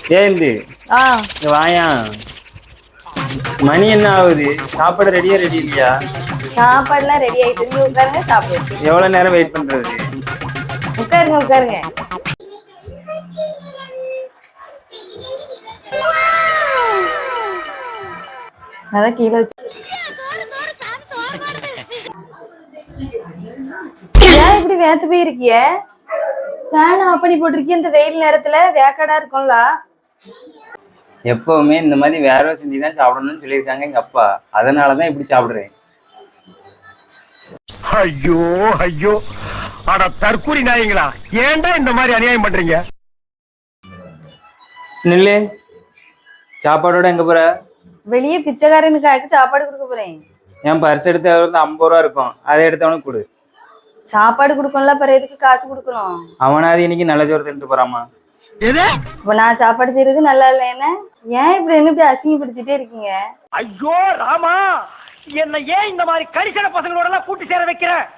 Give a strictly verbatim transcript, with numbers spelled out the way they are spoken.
ஏந்து ஆ இங்க வாயா. மணி என்ன ஆகுது? சாப்பாடு ரெடியா ரெடி இல்லையா? சாப்பாடுலாம் ரெடி ஆயிட்டு இங்க உட்காருங்க சாப்பிடுவோம். எவ்வளவு நேரம் வெயிட் பண்றது? உட்காருங்க உட்காருங்க. அதான் கீழே வச்சு ஏன் இப்படி வேத்து போயிருக்கிய? ஃபேன் ஆஃப் பண்ணி போட்டிருக்கிய இந்த வெயில் நேரத்துல வேக்காடா இருக்கும்ல. எப்பவுமே இந்த மாதிரி வேற செஞ்சு தான் சாப்பிடணும்னு சொல்லியிருக்காங்க எங்க அப்பா. அதனாலதான் இப்படி சாப்பிடுறேன். ஐயோ ஐயோ, அட தற்கூரி நாயங்களா, ஏன்டா இந்த மாதிரி அநியாயம் பண்றீங்க? நில்லு. சாப்பாடோட எங்க போற? வெளியே பிச்சைக்காரனுக்காக சாப்பாடு கொடுக்க போறேன். என் பர்ஸ் எடுத்து வந்து ஐம்பது ரூபா இருக்கும், அதை எடுத்தவனுக்கு கொடு. சாப்பாடு கொடுக்கணும்ல, பிறகு எதுக்கு காசு கொடுக்கணும்? அவனாவது இன்னைக்கு நல்ல ஜோறு தின்ட்டு போறாமா? இப்ப நான் சாப்பாடு செய்யறது நல்லா இல்ல என்ன? ஏன் இப்படி என்ன இப்படி அசிங்கப்படுத்திட்டே இருக்கீங்க? ஐயோ ராமா, என்ன ஏன் இந்த மாதிரி கரிசன பசங்களோட எல்லாம் கூட்டி சேர வைக்கிற?